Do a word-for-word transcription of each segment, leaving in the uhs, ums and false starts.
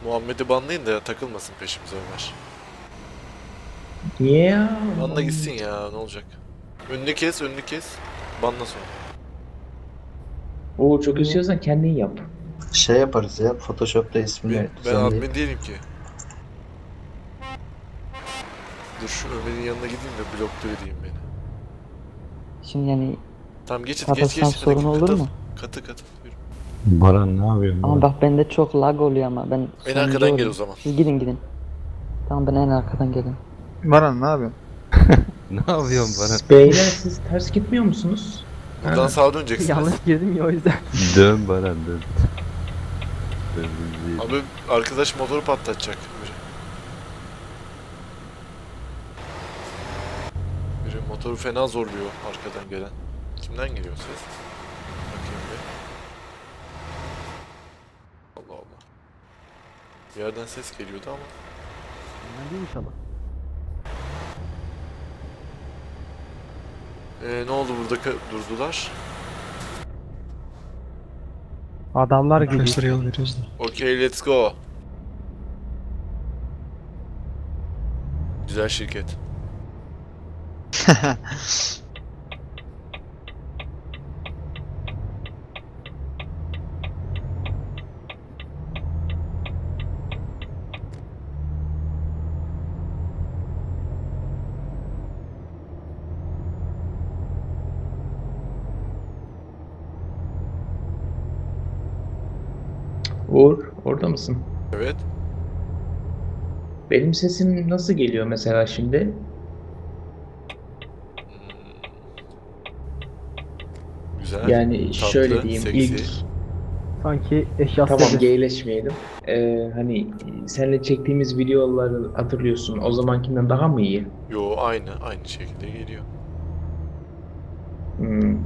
Muhammed'i banlayın da takılmasın peşimize Ömer. Niye ya? Banla gitsin ya, ne olacak? Önünü kes, önünü kes. Banla sonra. Oo, çok istiyorsan kendin yap. Şey yaparız ya, Photoshop'ta ismini Ben, ben düzenleyip. admin değilim ki. Dur şu Ömer'in yanına gideyim de blokta edeyim beni. Şimdi yani Tamam geçin, geç kapatsan geç. sorun olur katıl. mu? Katı katı. Buyurun. Baran ne yapıyorsun? Ama Baran? bak bende çok lag oluyor ama ben En sonuncu arkadan gel olayım. o zaman. Siz gidin gidin. Tamam ben en arkadan gelin. Baran ne yapıyorsun? Ne yapıyorsun Baran? Beyler siz ters gitmiyor musunuz? Buradan Ha. sağa döneceksiniz. Yanlış girdim ya o yüzden. Dön Baran dön. Dön bizi. Abi arkadaş motoru patlatacak. Biri. Biri motoru fena zorluyor arkadan gelen. Kimden geliyor ses? Bakayım bir. Allah Allah. Bir yerden ses geliyordu ama. Ben değil inşallah. Ee, ne oldu burada ka- durdular? Adamlar gibi. Arkadaşlara yol veriyoruz da. Okay, let's go. Güzel şirket. Uğur, orada mısın? Evet. Benim sesim nasıl geliyor mesela şimdi? Hmm. Güzel. Yani tatlı, şöyle diyeyim, seksi. ilk Sanki eşyası tamam geyleşmeyelim. Ee, hani seninle çektiğimiz videoları hatırlıyorsun. O zamankinden daha mı iyi? Yo aynı, aynı şekilde geliyor. Hmm.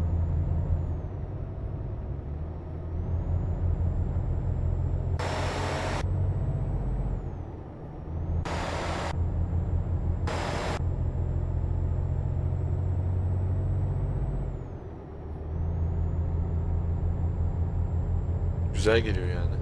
Güzel geliyor yani.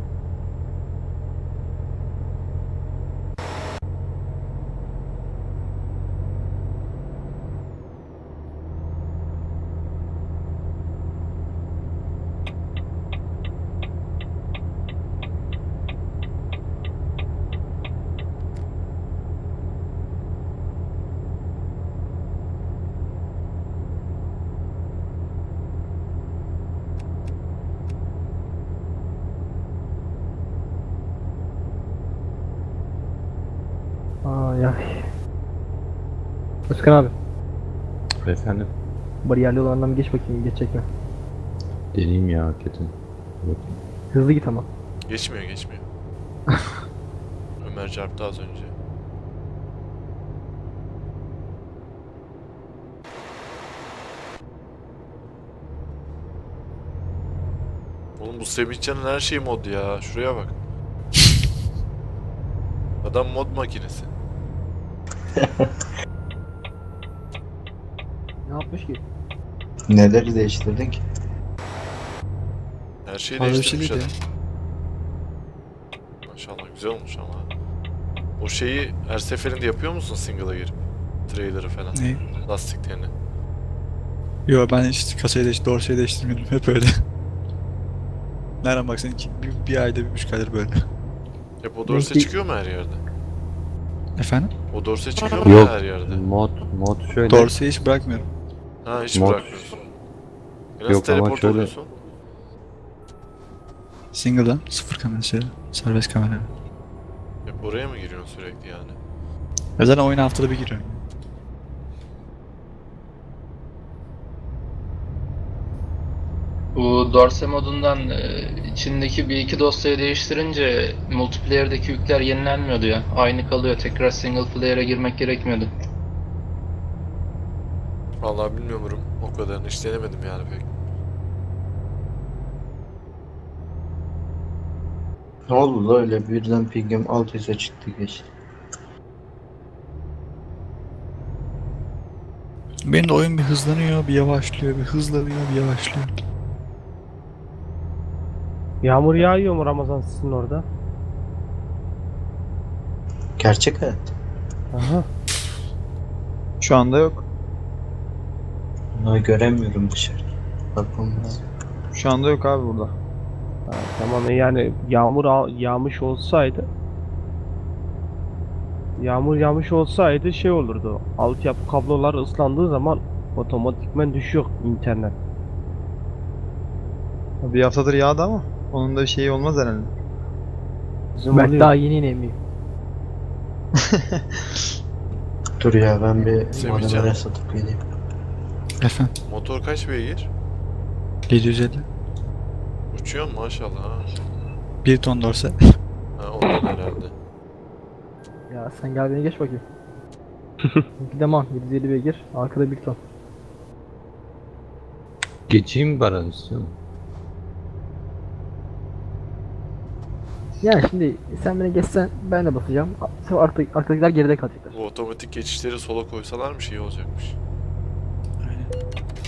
Ay ay. Özkan abi, Efendim? bariyerli olandan bir geç bakayım, geçecek mi? Deneyim ya hakikaten. Hızlı git ama. Geçmiyor, geçmiyor. Ömer çarptı az önce. Oğlum bu Semihcan'ın her şeyi mod ya. Şuraya bak. Adam mod makinesi. Ne yapmış ki? Neleri değiştirdik? Her şeyi Fazla bir değiştirmiş şey adam. değil Maşallah güzel olmuş ama. O şeyi her seferinde yapıyor musun single'a girip? Trailer'ı falan. Ne? Lastiklerini. Yo ben hiç kasayı değiş, dorseyi değiştirmedim. Hep öyle. Nereden baksan iki, bir, bir ayda bir buçuk aydır böyle. Hep o dorse Belki- çıkıyor mu her yerde? Efendim? O dorse çıkıyor mu Yok. her yerde? Mod, mod şöyle. Dorseyi hiç bırakmıyorum. Ha hiç Mod- bırakmıyorsun. E nasıl Yok ama teleport şöyle- oluyorsun? Single'dan sıfır kamerası, serbest kamera. Hep oraya mı giriyorsun sürekli yani? Ya zaten oyuna haftada bir giriyorum. Bu Dorse modundan e, içindeki bir iki dosyayı değiştirince multiplayer'deki yükler yenilenmiyordu ya. Aynı kalıyor. Tekrar single player'e girmek gerekmiyordu. Vallahi bilmiyorum o kadarını hiç denemedim yani pek. Ne oldu da öyle birden pingim alt üste çıktı geçti. Benim de oyun bir hızlanıyor, bir yavaşlıyor, bir hızlanıyor, bir yavaşlıyor. Yağmur yağıyor mu Ramazan sizin orada? Gerçek hayat. Aha. Şu anda yok. Bunu göremiyorum dışarı. Bakılmaz. Şu anda yok abi burada. Ha, tamam yani yağmur al- yağmış olsaydı Yağmur yağmış olsaydı şey olurdu. Altyapı kablolar ıslandığı zaman otomatikman düşüyor internet. Bir haftadır yağdı ama onun da bir şeyi olmaz herhalde. Bizim Ben oluyor. daha yeni inemiyorum. Dur ya ben bir Semihcan. modemere satıp geleyim. Efendim. Motor kaç beygir? yedi yüz elli. Uçuyor mu maşallah ha? bir ton dorse. Ha ondan herhalde. Ya sen gel beni geç bakayım. Gidemem. yedi yüz elli beygir. Arkada bir ton. Geçeyim mi Baran istiyor musun? Yani şimdi sen beni geçsen ben de basacağım. Sonra artık arkadakiler geride kalacaklar. Bu otomatik geçişleri sola koysalarmış iyi olacakmış. Aynen.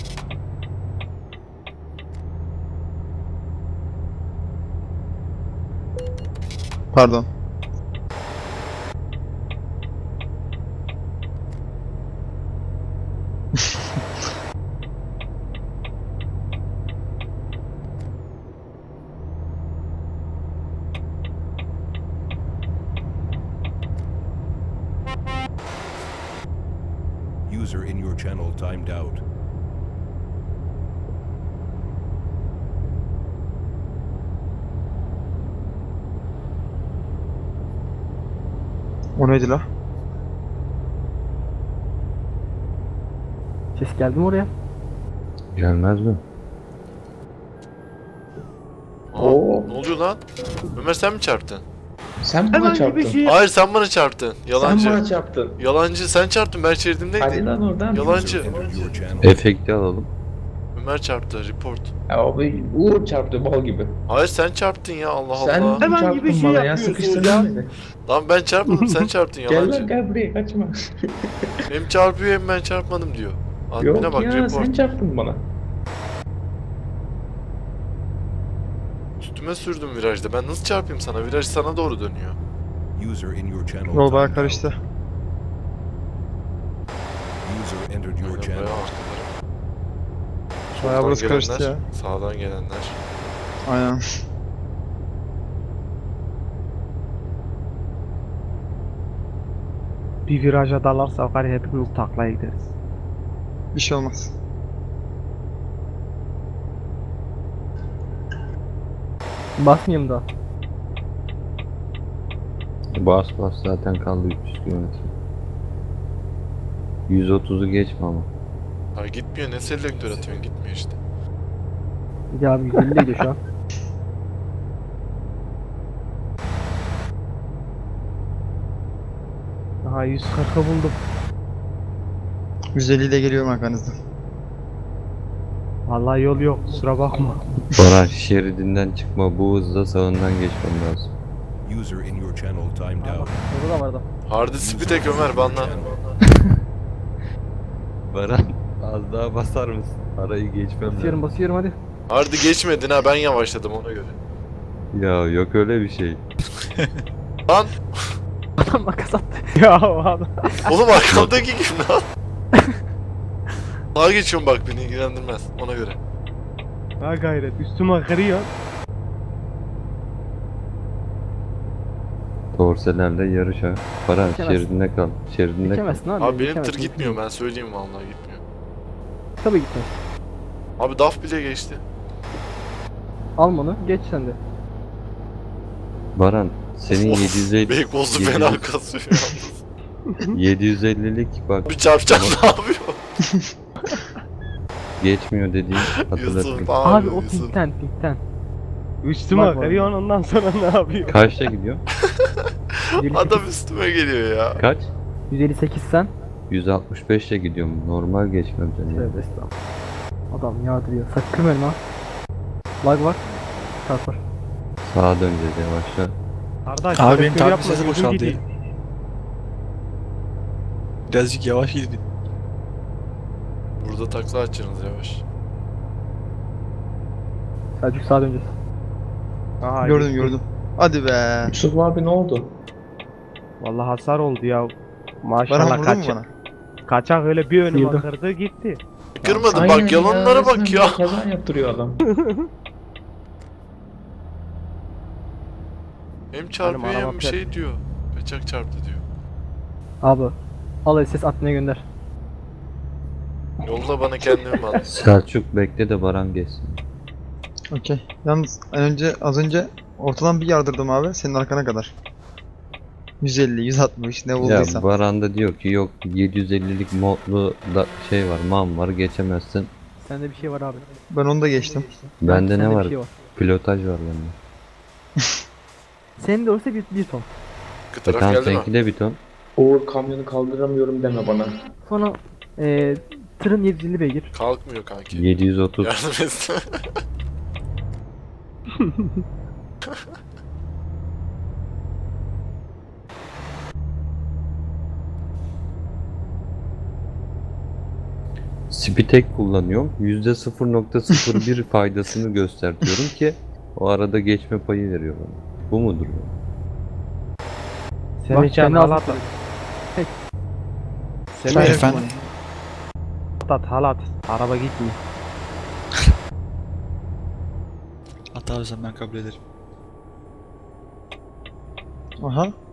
Pardon. User in your channel timed out. O neydi la? Ses geldi mi oraya? Gelmez mi? Aa, Oo. ne oluyor lan? Ömer sen mi çarptın? Sen bana çarptın. Hayır sen bana çarptın. Yalancı. Sen bana çarptın. Yalancı sen çarptın ben Hadi şeridimdeydim. lan oradan. Yalancı. User entered your channel. Efekti alalım. Ömer çarptı report. Ya abi Uğur çarptı bal gibi. Hayır sen çarptın ya Allah Sen Allah. çarptın bana ya sıkıştırdın beni. Lan ben çarpmadım sen çarptın Gel lan yalancı. gel buraya kaçma. Hem çarpıyor hem ben çarpmadım diyor. Admine Yok bak ya report. sen çarptın bana. Üstüme sürdüm virajda. Ben nasıl çarpayım sana? Viraj sana doğru dönüyor. User in your channel Yol bayağı timed karıştı. out. User entered your Aynen, channel. bayağı arkalara. Bayağı Soldan burası karıştı gelenler, ya. Sağdan gelenler. Aynen. Bir viraja dalarsa var ya hepimiz taklaya gideriz. Bir şey olmaz. Basmayayım da. Bas bas zaten kaldı üç yüz kilometre. yüz otuzu geçme ama. Ha gitmiyor ne selektör atıyorsun gitmiyor işte. Ya abi yüz elli gidiyor şu an. Aha yüz kırkı buldum. yüz elli ile geliyorum arkanızdan. Vallahi yol yok kusura bakma. Baran şeridinden çıkma, bu hızla sağından geçmem lazım. User in your channel timed out. Orada da vardı. Hardy Spitek Ömer banla. Baran az daha basar mısın? Arayı geçmem Basıyorum lazım. basıyorum hadi. Hardy geçmedin ha ben yavaşladım ona göre. Ya yok öyle bir şey. Lan Adam makas attı. Ya adam. oğlum arkamdaki kim lan? Sağa geçiyorum bak beni ilgilendirmez ona göre. Ha gayret üstüme kırıyor. Dorselerle yarış ha. Baran Geçemezsin. şeridinde kal. Şeridinde kal. Geçemezsin abi. Abi benim tır geçemezsin. gitmiyor ben söyleyeyim vallahi gitmiyor. Tabii gitmez. Abi D A F bile geçti. Al bunu geç sen de. Baran senin yedi yüz elli Beykozlu yedi yüz- fena kasıyor yalnız. yedi yüz ellilik bak Bir çarpacak ne yapıyor? geçmiyor dediğim hatırlatayım. Yusuf Abi, abi, o Yusuf. pinkten pinkten. Üstüme Bak, bak. kırıyor ondan sonra ne yapıyor? Kaçta gidiyor? yüz elli sekiz, Adam üstüme geliyor ya. Kaç? yüz elli sekiz sen. yüz altmış beşle gidiyorum. Normal geçmem seni. Tövbe estağfurullah. Adam yağdırıyor. Sakın ölme ha. Lag var. Çarp var. Sağa döneceğiz yavaşça. Kardeş, Abi benim selektör takip yapma, sesi gözüm boşaldı. gidiyor. Birazcık yavaş gidin. Burada takla açacaksınız yavaş. Selçuk sağa döneceğiz. Aha, Gördüm gitti. gördüm. Hadi be. Yusuf abi ne oldu? Vallahi hasar oldu ya. Bana Maşallah vurdun mu kaç. bana? Kaçak öyle bir önüme Sıyırdı. kırdı gitti. Kırmadı Aynen bak yalanlara resmen bak ya. bir Kaza yaptırıyor adam. Hem çarpıyor araba hem bir pet. şey diyor. Kaçak çarptı diyor. Abi al S S admine gönder. Yolla bana kendimi al. Selçuk bekle de Baran geçsin. Okey. Yalnız önce az önce ortadan bir yardırdım abi senin arkana kadar. yüz elli, yüz altmış ne Ya bulduysan. Baran da diyor ki yok yedi yüz ellilik modlu da şey var, man var, geçemezsin. Sende bir şey var abi. Ben onu da geçtim. Bende Sende ne bir var? şey var. Pilotaj var bende. Senin de olsa bir, bir ton. Bir E taraf tamam geldi mi? seninki de bir ton. Uğur kamyonu kaldıramıyorum deme bana. Sonra eee tırın yedi yüz elli beygir. Kalkmıyor kanki. yedi yüz otuz. Yardım etsin. Spitek kullanıyorum. yüzde sıfır nokta sıfır bir faydasını göstertiyorum ki o arada geçme payı veriyor bana. Bu mudur? Senin Bak, için kendi halat ağzına at. Hey. Senin Hayır, için efendim. halat at halat. Araba gitmiyor. Hatta o zaman ben kabul ederim. Aha.